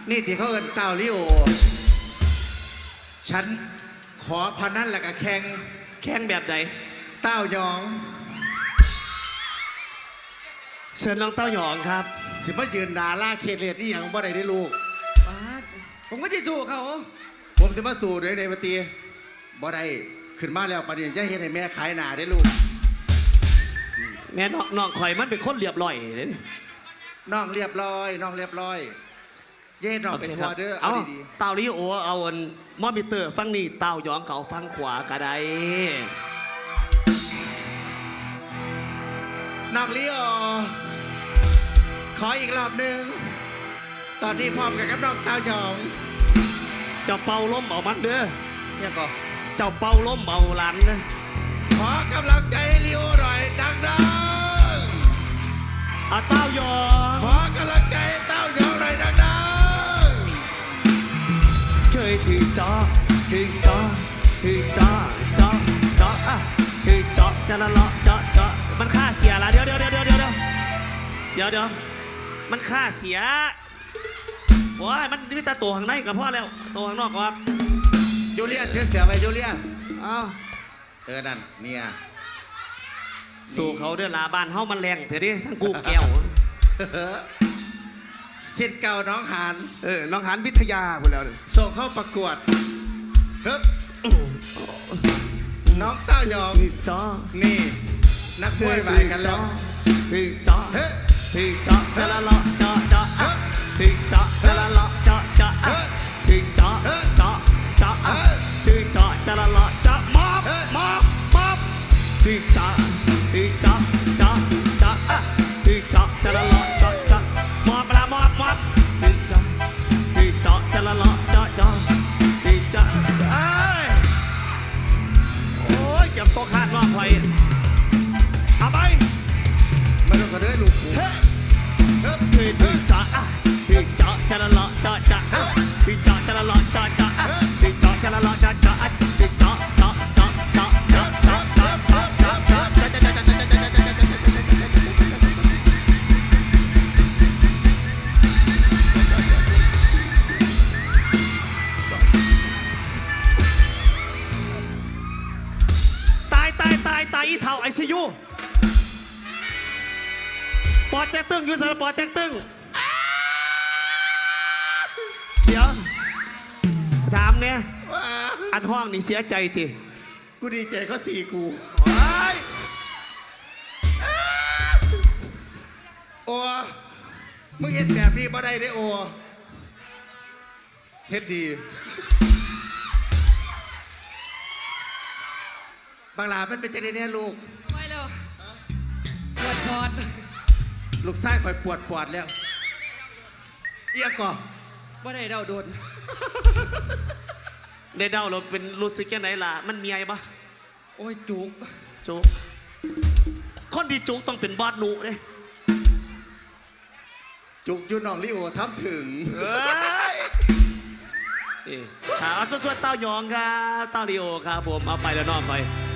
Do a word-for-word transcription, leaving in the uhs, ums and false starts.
นี่ที่เขาเอินเต่าลิโอฉันขอพนันแล้วก็แข่งแข่งแบบไหนเต้ายองเชิญน้องเต้าหยองครับสิมายืนดาล่าเคเลตนี่อย่างบ่ได้ได้ลูกผมก็จะสู้เขาผมสิมาสู่ด้วยในปฏิบ่ได้ขึ้นมาแล้วประเดี๋ยวจะเห็นให้แม่ขายหนาได้ลูกแม่น้องน้องข่อยมันเป็นคนเรียบร้อยเลยน้องเรียบร้อยน้องเรียบร้อยเย่น้องเป็นทัวร์เด้อเอาดีๆเต่าลิโอเอาอันมอมิเตอร์ฟังนี่เต่าหยองเขาฟังขวากระไดน้องลิโอขออีกรอบหนึ่งตอนนี้พร้อมกันกับน้องเต่าหยองเจ้าเป่าล้มเอามันเด้อเนี่ยก็เจ้าเป่าล้มเอาหลันนะขอกำลังใจลิโอหน่อยดังๆอาเต้าหยองขอกำลังใจเต้าหยองหน่อยดังๆเคยถือจอถือจอถือจอจอจออ่ะถือจอจะละเลาะจอจอมันค่าเสียละเดี๋ยวเดี๋ยวเดี๋ยวเดี๋ยวเดี๋ยวเดี๋ยวเดี๋ยวมันค่าเสียโอ้ยมันมีแต่ตัวข้างในกับพ่อแล้วตัวข้างนอกก็จูเลียเชื่อเสียไปจูเลียอ้าวเออนั่นเนี่ยสู่เขาเดือดลาบ้านเฮามันแรงเถอะดิทั้งกูแก้วสิทธิ์เก่าน้องหานเออน้องหานวิทยาไปแล้วส่งเข้าประกวดฮึบน้องเต้ายองจอนี่นักมวยไปกันแล้วพี่จอพี่จอแต่ละเลาะจอจอพี่จอแต่ละเลาะจอจอพี่จอจอจอพี่จอแต่ละเลาะจอมอบมอบมอบพี่จอพี่จอจอจอพี่จอแต่ละเลาะจอจอมอบละมอบมอบพี่จอพี่จอแต่ละเลาะจอจอพี่จอเอ้ยโอ้ยเก็บตัวขาดว่าไฟเอาไปมาดูกันเลยลูกพี่พี่จ๋าพี่จ๋าจะละละจ๋าจ๋าพี่จ๋าจะละละจ๋าจ๋าพี่จ๋าจะละละจ๋าจ๋าพี่จ๋าจ๋าจ๋าจ๋าจ๋าจ๋าจ๋าจ๋าจ๋าจ๋าตายตายตายตายอีเท่าไอซียูปอดแตกตึงอยู่สารปอดแตกตึงเดี๋ยวถามเนี่ยอันห้องนี่เสียใจติกูดีใจเขาสี่กูโอ้มึงเห็นแบบนี้บ่ได้ได้โอ้เฮ็ดดีบางลามันเป็นใจได้เนี่ยลูกไม่แล้วปวดปอดลูกไส้คอยปวดปวดแล้วเอียก่อว่าได้เดาโดนได้เดาเราเป็นรู้สึกยังไงล่ะมันเมียปะโอ้ยจุกจุกคนที่จุกต้องเป็นบอสหนูเลยจุกยูน้องลิโอทำถึงถามส่วนๆเต้ายองครับเต้าลิโอครับผมเอาไปแล้วนอกไป